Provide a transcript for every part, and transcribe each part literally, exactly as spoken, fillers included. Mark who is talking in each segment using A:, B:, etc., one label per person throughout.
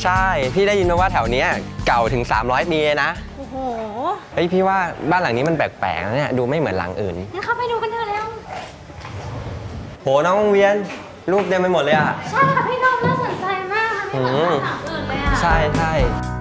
A: ใช่พี่ได้ยินมาว่าแถวนี้เก่าถึงสามร้อยปีนะ
B: โอ้โห
A: เฮ้ยพี่ว่าบ้านหลังนี้มันแปลกๆนะเนี่ยดูไม่เหมือนหลังอื่น
B: งั้นเข้าไปดูกันเถอะแล้ว
A: โหน้องเวียนรูปเต็มไปหมดเลยอ่ะ
B: ใช่ค่ะพี่นมน่าสนใจมากมันไม่เหมือนหลังอื่นเลยอ่ะ
A: ใช่ใช่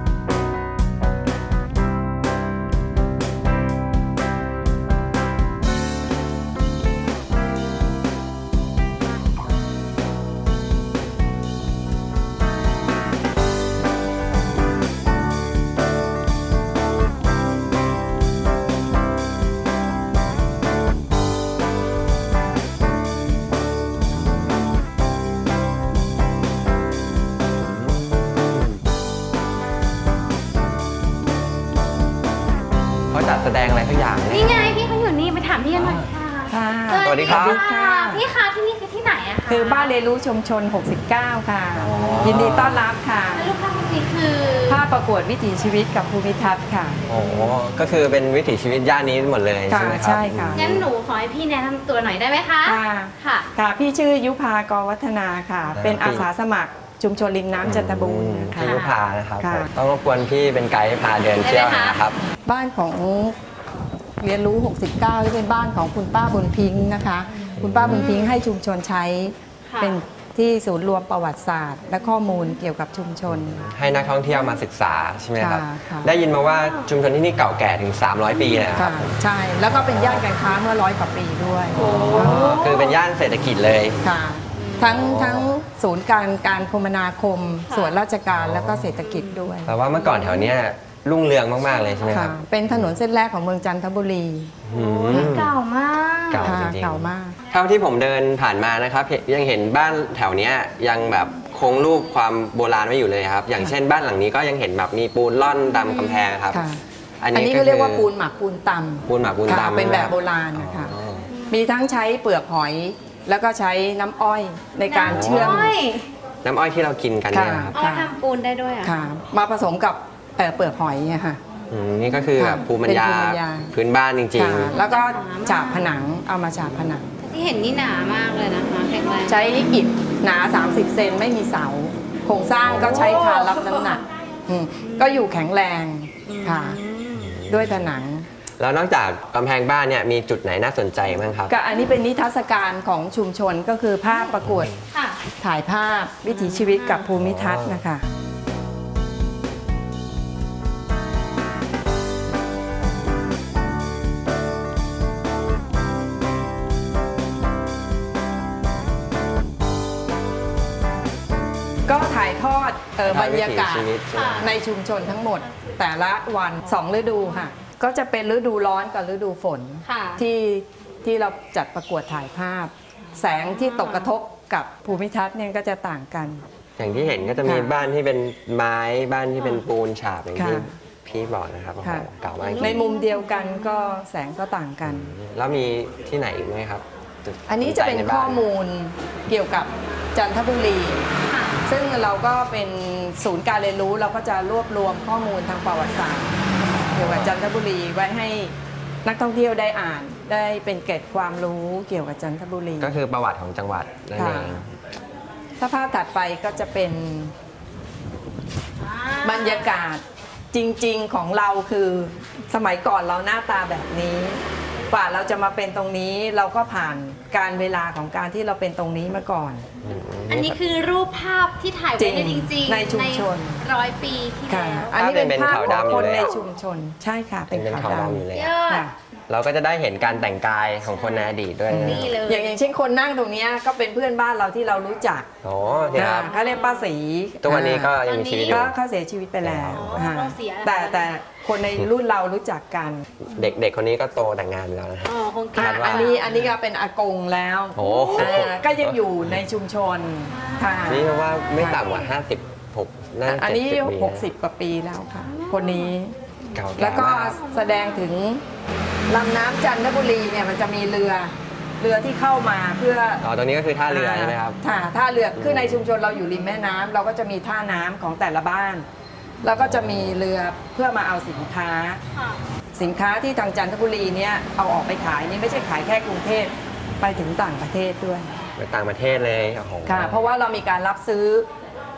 A: จัดแสดงอะไรทุกอย่าง
B: นี่ไงพี่เขาอยู่นี่ไปถามพี่กันหน่อยค่ะ
A: สวัสดีครับ
B: พี่คะที่นี่คือที่ไหนอะคะ
C: คือบ้านเรียนรู้ชุมชนหกสิบเก้าค่ะยินดีต้อนรับค่ะ
B: แล้วรูปภาพนี้คือ
C: ภาพประกวดวิถีชีวิตกับภูมิทัศน์ค่ะ
A: โอ้ก็คือเป็นวิถีชีวิตย่านนี้หมดเลยใช่ไหมครับ
C: ใช่ค่ะ
B: งั้นหนูขอให้พี่แนะนำตัวหน่อยได้ไหมคะ
C: ค่ะค่ะพี่ชื่อยุพากรวัฒนาค่ะเป็นอาสาสมัครชุมชนริมน้ำจันทบูรณ์
A: ค่ะยุพานะครับต้องรบกวนพี่เป็นไกด์พาเดินเที่ยวนะครับ
C: บ้านของเรียนรู้หกสิบเก้าที่เป็นบ้านของคุณป้าบุญพิงค์นะคะคุณป้าบุญพิงค์ให้ชุมชนใช้เป็นที่ศูนย์รวมประวัติศาสตร์และข้อมูลเกี่ยวกับชุมชน
A: ให้นักท่องเที่ยวมาศึกษาใช่ไหมครับได้ยินมาว่าชุมชนที่นี่เก่าแก่ถึงสามร้อยปีนะครับ
C: ใช่แล้วก็เป็นย่านการค้าเมื่อร้อยกว่าปีด้วย
A: คือเป็นย่านเศรษฐกิจเลย
C: ค่ะทั้งทั้งศูนย์การการคมนาคมส่วนราชการแล้วก็เศรษฐกิจด้วย
A: แต่ว่าเมื่อก่อนแถวนี้รุ่งเรืองมากๆเลยใช่ไหมครับ
C: เป็นถนนเส้นแรกของเมืองจันทบุรี
B: เก่ามาก
A: เก่าจริงๆ
C: เก่ามาก
A: เท่าที่ผมเดินผ่านมานะครับยังเห็นบ้านแถวนี้ยังแบบคงรูปความโบราณไว้อยู่เลยครับอย่างเช่นบ้านหลังนี้ก็ยังเห็นแบบมีปูนล่อนดำกำแพงครับ
C: อันนี้ก็เรียกว่าปูนหมักปูนตำ
A: ปูนหมักปูนตำ
C: เป็นแบบโบราณนะคะมีทั้งใช้เปลือกหอยแล้วก็ใช้น้ำอ้อยในการเชื่อม
A: น้ำอ้อยที่เรากินกันเนี่ย
B: ครับเอาทำปูนได้ด้วยอ่ะ
C: มาผสมกับเปลือกหอยเนี่ยค่ะ
A: นี่ก็คือแบบภูมิปัญญาพื้นบ้านจริง
C: ๆแล้วก็ฉาบผนังเอามาฉาบผนัง
B: ที่เห็นนี่หนามากเลยนะคะแข็งแรง
C: ใช้อิฐหนาสามสิบเซนไม่มีเสาโครงสร้างก็ใช้คานรับน้ำหนักก็อยู่แข็งแรงค่ะด้วยผนัง
A: แล้วนอกจากกำแพงบ้านเนี่ยมีจุดไหนน่าสนใจบ้างครับ
C: ก็อันนี้เป็นนิทรรศการของชุมชนก็คือภาพประกวดถ่ายภาพวิถีชีวิตกับภูมิทัศน์นะคะก็ถ่ายทอดบรรยากาศในชุมชนทั้งหมดแต่ละวันสองฤดูค่ะก็จะเป็นฤดูร้อนกับฤดูฝนที่ที่เราจัดประกวดถ่ายภาพแสงที่ตกกระทบกับภูมิทัศน์เนี่ยก็จะต่างกัน
A: อย่างที่เห็นก็จะมีบ้านที่เป็นไม้บ้านที่เป็นปูนฉาบอย่างที่พี่บอกนะครับเก่ามาก
C: ในมุมเดียวกันก็แสงก็ต่างกัน
A: แล้วมีที่ไหนอีกไหมครับ
C: อันนี้จะเป็นข้อมูลเกี่ยวกับจันทบุรีซึ่งเราก็เป็นศูนย์การเรียนรู้เราก็จะรวบรวมข้อมูลทางประวัติศาสตร์เกี่ยวกับจันทบุรีไว้ให้นักท่องเที่ยวได้อ่านได้เป็นเกร็ดความรู้เกี่ยวกับจันทบุรี
A: ก็คือประวัติของจังหวัดนั่นเอง
C: ถ้าภาพถัดไปก็จะเป็นบรรยากาศจริงๆของเราคือสมัยก่อนเราหน้าตาแบบนี้กว่าเราจะมาเป็นตรงนี้เราก็ผ่านการเวลาของการที่เราเป็นตรงนี้มาก่อน
B: อันนี้คือรูปภาพที่ถ่ายไว้จริงๆ
C: ในชุมชน
B: ร้อยปีที่แล้ว
C: อันนี้เป็นภาพของคนในชุมชนใช่ค่ะเป็นขาวดำ
A: อยู่เลยเราก็จะได้เห็นการแต่งกายของคนในอดีตด้วย
C: อย่างอย่างเช่นคนนั่งตรงนี้ก็เป็นเพื่อนบ้านเราที่เรารู้จัก
A: โอ้เนี่ยครับ
C: เขาเรียกป้าศรี
A: ตัวนี้ก็ยังมีชีวิตอยู่
C: เขาเสียชีวิตไปแล้วแต่แต่คนในรุ่นเรารู้จักกัน
A: เด็กๆคนนี้ก็โตแต่งงานแล้วนะ
C: อันนี้อันนี้ก็เป็นอากงแล้วก็ยังอยู่ในชุมชน
A: นี่ว่าไม่ต่ำกว่าห้าสิบหก
C: อันนี้หกสิบกว่าปีแล้วค่ะคนนี้แล้วก็แสดงถึงลำน้ำจันทบุรีเนี่ยมันจะมีเรือเรือที่เข้ามาเพื่อ
A: อ๋อตรงนี้ก็คือท่าเรือใช่ไหมครับ
C: ท่าท่าเรือคือในชุมชนเราอยู่ริมแม่น้ำเราก็จะมีท่าน้ำของแต่ละบ้านแล้วก็จะมีเรือเพื่อมาเอาสินค้าสินค้าที่ทางจันทบุรีเนี่ยเอาออกไปขายนี่ไม่ใช่ขายแค่กรุงเทพไปถึงต่างประเทศด้วย
A: ไปต่างประเทศเลย
C: ค่ะเพราะว่าเรามีการรับซื้อ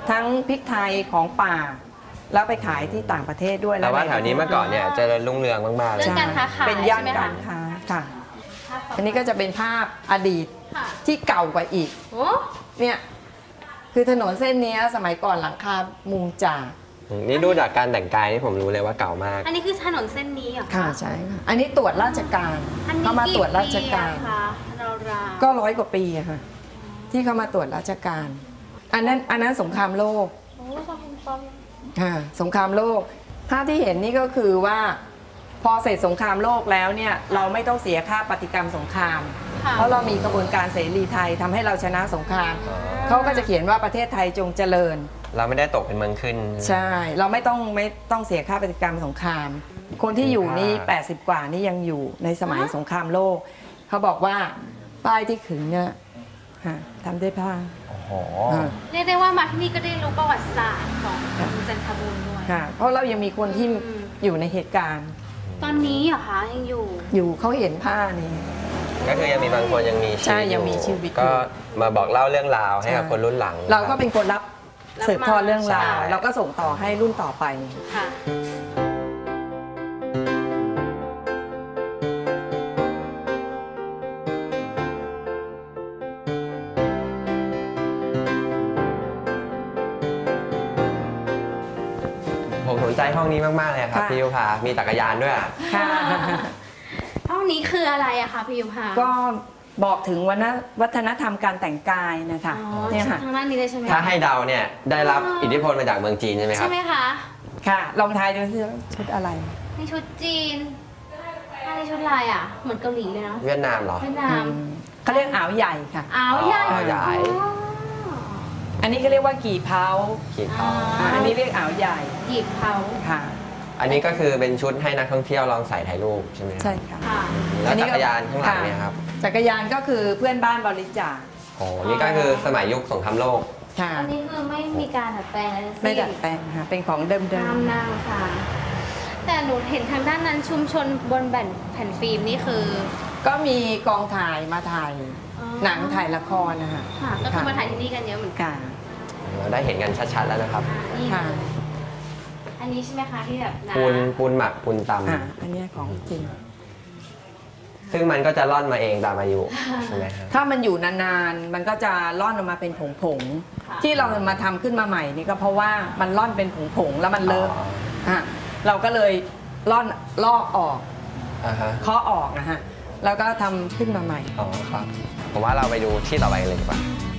C: ทั้งพริกไทยของป่าแล้วไปขายที่ต่างประเทศด้วย
A: แต่ว่าแถวนี้เมื่อก่อนเนี่ยเจริญรุ่งเรืองมากๆเลย
B: เรื่องการค้าขาย
C: เป็นย่าน
B: ใช่ไหมคะ
C: การค้าค่ะอันนี้ก็จะเป็นภาพอดีต
B: ค่ะ
C: ที่เก่ากว่าอีก
B: โอ้
C: เนี่ยคือถนนเส้นนี้สมัยก่อนหลังคามุงจาก
A: นี่ดูจากการแต่งกายนี่ผมรู้เลยว่าเก่ามาก
B: อันนี้คือถนนเส้นนี้เหรอ
C: ค่ะใช่ค่ะอันนี้ตรวจราชการ
B: อันนี้
C: เขามาตรวจราชการ
B: กี่ปีอะคะราวๆ
C: ก็ร้อยกว่าปีอะค่ะที่เขามาตรวจราชการ อันนั้นอันนั้นสงครามโลก
B: โอ้ชอบคุณปอม
C: ค่ะสงครามโลกภาพที่เห็นนี่ก็คือว่าพอเสร็จสงครามโลกแล้วเนี่ยเราไม่ต้องเสียค่าปฏิกรรมสงคราม
B: ค่ะ
C: เพราะเรามีกระบวนการเสรีไทยทำให้เราชนะสงคราม
A: อ๋อ
C: เขาก็จะเขียนว่าประเทศไทยจงเจริญ
A: เราไม่ได้ตกเป็นเมืองขึ้น
C: ใช่ เราไม่ต้องไม่ต้องเสียค่าปฏิกรรมสงคราม คนที่อยู่นี่
A: ค่ะ
C: แปดสิบกว่านี่ยังอยู่ในสมัยสงครามโลก เขาบอกว่าป้ายที่ขึงเนี่ยฮะทำด้วยผ้า
A: โอ้โห
C: อ่า
B: เรียกได้ว่ามาที่นี่ก็ได้รู้ประวัติศาสตร์ของจันทบุรีด้วย
C: ค่ะ เพราะเรายังมีคนที่
B: อืม
C: อยู่ในเหตุการณ์
B: ตอนนี้เหรอคะยังอยู่
C: อยู่เขาเห็นผ้านี้
A: ก็คือยังมีบางคนยังมีชีวิต
C: ใช่ยังมีชีวิตอยู่
A: ก็มาบอกเล่าเรื่องราวให้กับ
C: ใช่
A: คนรุ่นหลัง
C: เราก็เป็นคนรับ
B: รับ
C: สืบทอดเรื่องราว
A: ใช่
C: เราก็ส่งต่อให้รุ่นต่อไป
B: ค่ะ
A: ผมสนใจห้องนี้มาก ๆ เลยครับ
C: ค่ะ
A: พี่ยุพามีจักรยานด้วยอะ
C: ค่ะ
B: ห้องนี้คืออะไรอะคะพี่ยุพา
C: ก็บอกถึงวัฒนวัฒนธรรมการแต่งกายนะคะ
B: อ๋อ
C: เนี่ยค่ะ
B: ทางด้านนี้เลยใช่ไหม
A: ถ้าให้เดาเนี่ยได้รับอิทธิพลมาจากเมืองจีนใช่ไหมค
B: ใช่
A: รับ
B: ไหมคะ
C: ค่ะ ลองทายดูสิว่าชุดอะไร
B: นี่ชุดจีนอันนี้ชุดอะไรอะเหมือนเกาหลีเลยเนาะ
A: เวียดนามเหรอ
B: เวียดนาม
C: เขาเรียกอ่าวใหญ่ค่ะ
B: อ้าวใหญ่
A: อ๋อใหญ่
B: อ๋อ
C: อันนี้ก็เรียกว่ากี่เผา
A: ขีดเขา
C: อ่าอันนี้เรียกอ่าวใหญ่
B: หยิบเขา
C: ค่ะ
A: อันนี้ก็คือเป็นชุดให้นักท่องเที่ยวลองใส่ถ่ายรูปใช่ไหมครับ
C: ใช่ค่ะ
B: ค่ะ
A: แล้วจักรยานข้างหลังเนี่ยครับ
C: จักรยานก็คือเพื่อนบ้านบริจาค
A: โอ้นี่ก็คือสมัยยุคสงครามโลก
C: ค่ะ
B: อันนี้คือไม่มีการดัดแปลงอะไรทั้งสิ้น
C: ไม่ดัดแปลงค่ะเป็นของเดิม
B: ห้ามนั่งค่ะ แต่หนูเห็นทางด้านนั้นชุมชนบนแผ่นแผ่นฟิล์มนี่คือ
C: ๆก็มีกองถ่ายมาถ่าย
B: อ๋อ
C: หนังถ่ายละครนะคะ
B: ค่ะ ก็คือมาถ่ายที่นี่กันเยอะเหมือนกัน
C: ค่ะ
A: เราได้เห็นกันชัดๆแล้วนะครับ
B: นี่
C: ค่ะ
B: อันนี้ใช่ไหมคะที่แบบน้ำ
A: ปูนปูนหมักปูนต
C: อ่าอันเนี้ยของจริง
A: ำซึ่งมันก็จะร่อนมาเองตามอายุใช่ไหมครับ
C: ถ้ามันอยู่นานๆ มันก็จะร่อนออกมาเป็นผงๆ ที่เรามาทำขึ้นมาใหม่นี่ก็เพราะว่ามันร่อนเป็นผงๆ แล้วมันเลอะ
A: อ๋อ
C: ฮะเราก็เลยร่อนลอกออก
A: อ่าฮะ
C: เคาะออกนะฮะ แล้วก็ทำขึ้นมาใหม่
A: อ๋อครับ ผมว่าเราไปดูที่ต่อไปกันเลยดีกว่า
C: ค